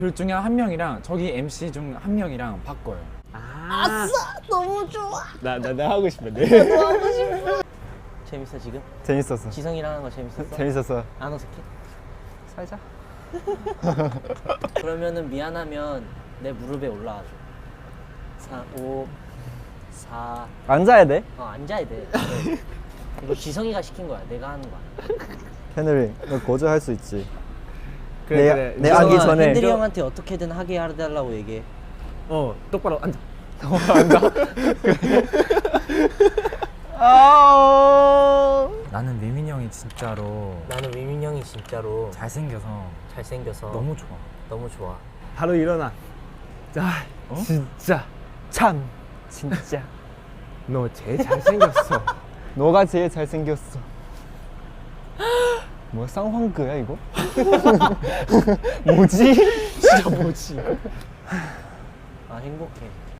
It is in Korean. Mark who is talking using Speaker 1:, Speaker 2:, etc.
Speaker 1: 둘 중에 한 명이랑 저기 MC 중 한 명이랑 바꿔요.
Speaker 2: 아싸! 너무 좋아.
Speaker 3: 나 하고 싶은데.
Speaker 2: 나도 하고 싶어. 재밌어 지금?
Speaker 3: 재밌었어.
Speaker 2: 지성이랑 하는 거 재밌었어?
Speaker 3: 재밌었어.
Speaker 2: 안 어색해?
Speaker 3: 살자.
Speaker 2: 그러면은 미안하면 내 무릎에 올라와줘. 4, 5, 4.
Speaker 3: 앉아야 돼.
Speaker 2: 앉아야 돼. 네. 이거 지성이가 시킨 거야. 내가 하는 거야.
Speaker 3: 헤너리, 너 거절할 수 있지.
Speaker 1: 그래.
Speaker 3: 내 하기
Speaker 2: 지성아,
Speaker 3: 전에.
Speaker 2: 핸들이 형한테 어떻게든 하게 해달라고 얘기해.
Speaker 1: 똑바로 앉아. 나는 위민이 형이 진짜로
Speaker 2: 나는 위민 형이 진짜로
Speaker 1: 잘생겨서
Speaker 2: 잘생겨서
Speaker 1: 너무 좋아.
Speaker 2: 너무 좋아.
Speaker 3: 바로 일어나. 자, 진짜 참 진짜.
Speaker 1: 너 제일 잘생겼어.
Speaker 3: 너가 제일 잘생겼어. 뭐야 쌍황그야 이거? 뭐지? 진짜 뭐지?
Speaker 2: 아 행복해.